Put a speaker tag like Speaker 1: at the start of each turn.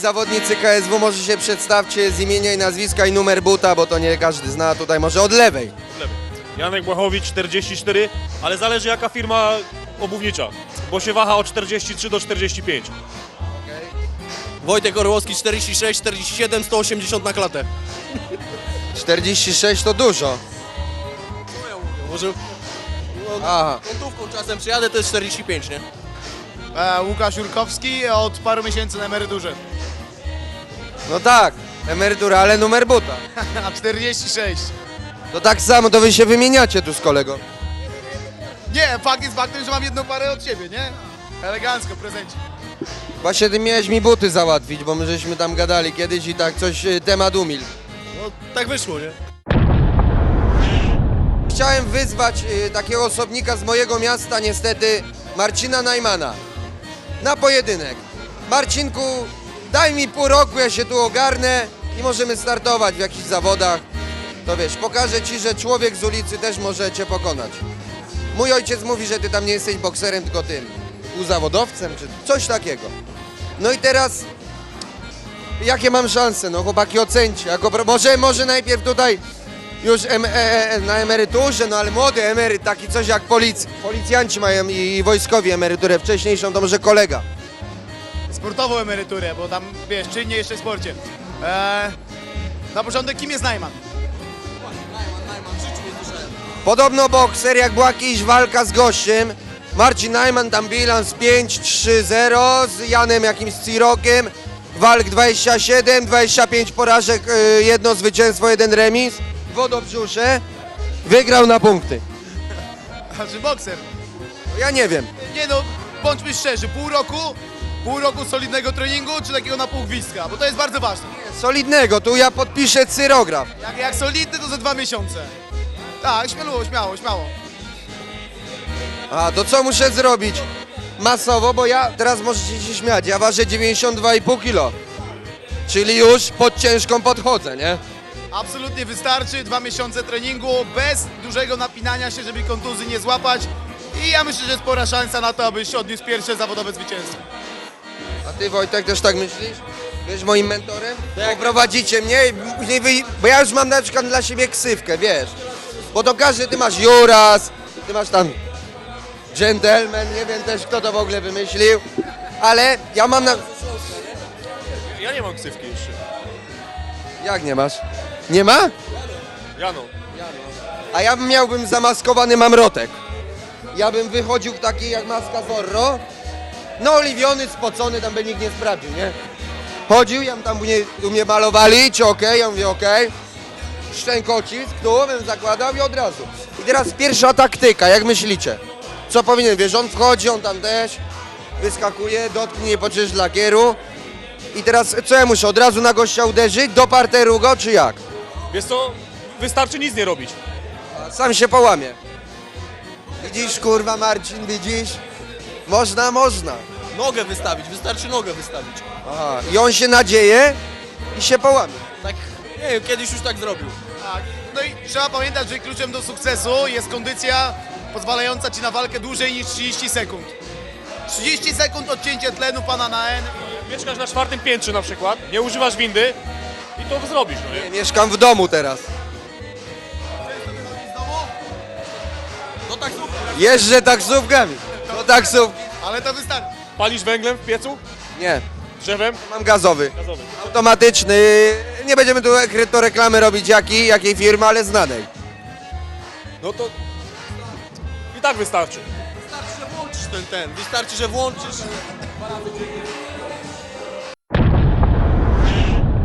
Speaker 1: zawodnicy KSW, może się przedstawcie z imienia i nazwiska i numer buta, bo to nie każdy zna, tutaj może od lewej.
Speaker 2: Janek Błachowicz 44, ale zależy jaka firma obuwnicza, bo się waha od 43 do 45.
Speaker 3: Wojtek Orłowski 46, 47, 180 na klatę.
Speaker 1: 46 to dużo.
Speaker 3: Może
Speaker 1: Aha.
Speaker 3: kontówką czasem przyjadę, to jest 45, nie?
Speaker 4: Łukasz Jurkowski od paru miesięcy na emeryturze.
Speaker 1: No tak, emerytura, ale numer buta.
Speaker 4: A 46.
Speaker 1: To tak samo, to wy się wymieniacie tu z kolegą.
Speaker 4: Nie, fakt jest faktem, że mam jedną parę od ciebie, nie? Elegancko, prezencie.
Speaker 1: Właśnie ty miałeś mi buty załatwić, bo my żeśmy tam gadali kiedyś i tak coś temat umilkł.
Speaker 3: No tak wyszło, nie?
Speaker 1: Chciałem wyzwać takiego osobnika z mojego miasta, niestety, Marcina Najmana, na pojedynek. Marcinku, daj mi pół roku, ja się tu ogarnę i możemy startować w jakichś zawodach. To wiesz, pokażę ci, że człowiek z ulicy też może cię pokonać. Mój ojciec mówi, że ty tam nie jesteś bokserem, tylko tym uzawodowcem, czy coś takiego. No i teraz, jakie mam szanse? No chłopaki, ocencie. Może najpierw tutaj już na emeryturze, no ale młody emeryt, taki coś jak policjanci mają i wojskowi emeryturę wcześniejszą, to może kolega.
Speaker 4: Sportową emeryturę, bo tam, wiesz, czynnie jeszcze w sporcie. Na początek, kim jest Najman?
Speaker 1: Podobno bokser, jak była jakaś walka z gościem, Marcin Najman tam bilans 5-3-0 z Janem jakimś Cirokiem, walk 27, 25 porażek, jedno zwycięstwo, jeden remis, wodobrzusze, wygrał na punkty.
Speaker 4: A czy bokser?
Speaker 1: Ja nie wiem.
Speaker 4: Nie no, bądźmy szczerzy, pół roku solidnego treningu, czy takiego na pół gwizdka, bo to jest bardzo ważne.
Speaker 1: Solidnego, tu ja podpiszę cyrograf.
Speaker 4: Jak solidny, to za 2 miesiące. Tak, śmiało.
Speaker 1: A to co muszę zrobić? Masowo, bo ja, teraz możecie się śmiać, ja ważę 92,5 kg. Czyli już pod ciężką podchodzę, nie?
Speaker 4: Absolutnie wystarczy, 2 miesiące treningu, bez dużego napinania się, żeby kontuzji nie złapać. I ja myślę, że jest spora szansa na to, abyś odniósł pierwsze zawodowe zwycięstwo.
Speaker 1: A ty, Wojtek, też tak myślisz? Wiesz, moim mentorem? Poprowadzicie mnie, i później bo ja już mam na przykład dla siebie ksywkę, wiesz? Bo to każdy, ty masz Juras, ty masz tam Gentleman, nie wiem też kto to w ogóle wymyślił, ale ja mam na...
Speaker 2: Ja nie mam ksywki jeszcze.
Speaker 1: Jak nie masz? Nie ma?
Speaker 2: Jano.
Speaker 1: A ja miałbym zamaskowany mamrotek. Ja bym wychodził w takiej jak maska Zorro, no oliwiony, spocony, tam by nikt nie sprawdził, nie? Chodził, ja tam u mnie malowali, czy okej? Ja mówię okej. Szczękocisk, tu bym zakładał i od razu. I teraz pierwsza taktyka, jak myślicie? Co powinien, wiesz, on wchodzi, on tam też wyskakuje, dotknie, poczujesz lakieru. I teraz co ja muszę, od razu na gościa uderzyć, do parteru go, czy jak?
Speaker 2: Wiesz co, wystarczy nic nie robić.
Speaker 1: A sam się połamie. Widzisz, kurwa, Marcin, widzisz? Można.
Speaker 3: Nogę wystawić, wystarczy nogę wystawić.
Speaker 1: Aha, i on się nadzieje i się połamie.
Speaker 3: Tak, nie wiem, kiedyś już tak zrobił.
Speaker 4: Tak. No i trzeba pamiętać, że kluczem do sukcesu jest kondycja pozwalająca ci na walkę dłużej niż 30 sekund. 30 sekund odcięcie tlenu pana na N.
Speaker 2: Mieszkasz na 4. piętrze na przykład, nie używasz windy i to zrobisz, no nie?
Speaker 1: Mieszkam w domu teraz.
Speaker 3: No tak zrób.
Speaker 1: Jeżdżę taksówkami. Do taksówki.
Speaker 4: Ale to wystarczy.
Speaker 2: Palisz węglem w piecu?
Speaker 1: Nie,
Speaker 2: Drzewem?
Speaker 1: mam gazowy.
Speaker 2: Gazowy.
Speaker 1: Automatyczny. Nie będziemy tu do reklamy robić jakiej firmy, ale znanej.
Speaker 2: No to i tak wystarczy.
Speaker 3: Wystarczy, że włączysz ten. Wystarczy, że włączysz.